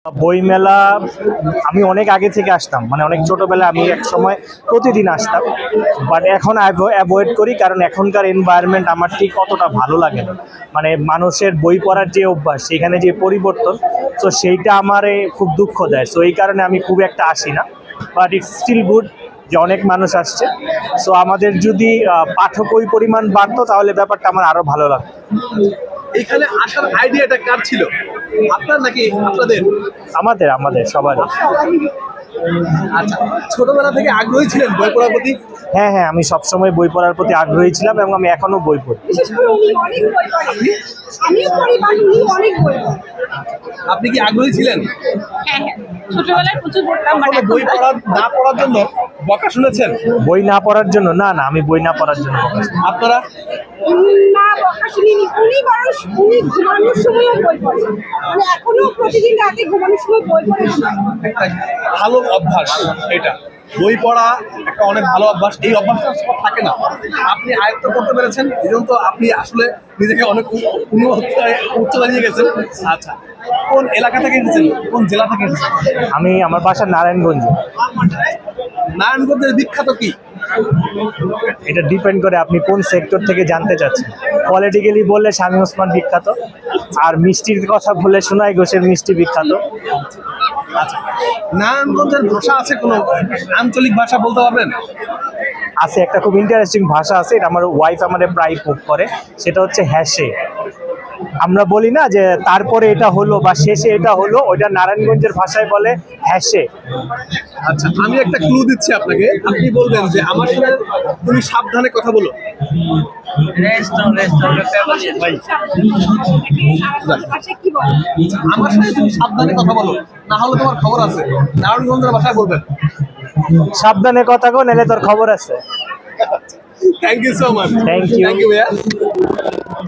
বইমেলা আমি অনেক আগে থেকে আসতাম, মানে অনেক ছোটবেলায় আমি এক সময় প্রতিদিন আসতাম, বাট এখন অ্যাভয়েড করি কারণ এখনকার এনভায়রনমেন্ট আমার ঠিক অতটা ভালো লাগে না। মানে মানুষের বই পড়ার যে অভ্যাস, সেখানে যে পরিবর্তন, তো সেইটা আমারে খুব দুঃখ দেয়। সো এই কারণে আমি খুব একটা আসি না, বাট ইটস স্টিল গুড যে অনেক মানুষ আসছে। সো আমাদের যদি পাঠক ওই পরিমাণ বাড়তো তাহলে ব্যাপারটা আমার আরও ভালো লাগতো। এখানে আসার আইডিয়াটা কার ছিল, আপনার নাকি আপনাদের? আমাদের আমাদের সবারই। আচ্ছা, ছোটবেলা থেকে আগ্রহী ছিলেন বই পড়ার প্রতি? হ্যাঁ হ্যাঁ, আমি সবসময় বই পড়ার প্রতি আগ্রহী ছিলাম এবং আমি এখনো বই পড়ি। বিশেষ করে উনি অনেক বই পড়েন, আমিও পড়ি, বাট উনি অনেক বই পড়েন। আপনি কি আগ্রহী ছিলেন? হ্যাঁ হ্যাঁ, ছোটবেলায় প্রচুর পড়তাম, বাট কখনো বই পড়া না পড়ার জন্য বকা শুনেছেন? বই না পড়ার জন্য না, আমি বই না পড়ার জন্য বকা শুনি। আপনারা? না, বকা শুনিনি। উনি বরং উনি ঘুমানোর সময়ও বই পড়েন, মানে এখনো প্রতিদিন রাতে ঘুমানোর সময় বই পড়ে ঘুমান। একটা ভালো অভ্যাস এটা, বই পড়া একটা অনেক ভালো অভ্যাস। এই অভ্যাসটা সব থাকে না, আপনি আয়ত্ত করতে পেরেছেন, এই জন্য তো আপনি আসলে নিজেকে অনেক উচ্চতা নিয়ে গেছেন। আচ্ছা, কোন এলাকা থেকে এসেছেন, কোন জেলা থেকে এসেছেন? আমার বাসা নারায়ণগঞ্জ। নারায়ণগঞ্জের বিখ্যাত কি? এটা ডিপেন্ড করে আপনি কোন সেক্টর থেকে জানতে চাচ্ছেন। পলিটিক্যালি বললে স্বামী ওসমান বিখ্যাত, আর মিষ্টির কথা বললে সোনাই ঘোষের মিষ্টি বিখ্যাত। আচ্ছা, নারায়ণগঞ্জের ভাষা আছে কোনো আঞ্চলিক ভাষা বলতে পারবেন? আছে, একটা খুব ইন্টারেস্টিং ভাষা আছে, এটা আমার ওয়াইফ আমাদের প্রায় পোক করে, সেটা হচ্ছে হ্যাসে। আমরা বলি না যে তারপরে এটা হলো বা শেষে এটা হলো, ওইটা নারায়ণগঞ্জের ভাষায় বলে হ্যাসে। আচ্ছা, আমি একটা ক্লু দিচ্ছি আপনাকে, আপনি বলবেন যে আমার সাথে তুমি সাবধানে কথা বলো। আচ্ছা, কি বলেন? আমার সাথে তুমি সাবধানে কথা বলো, না হলে তোমার খবর আছে। নারায়ণগঞ্জের ভাষায় বলবেন। সাবধানে কথা কো, নাহলে তোর খবর আছে। Thank you so much. Thank you. Thank you ভাইয়া।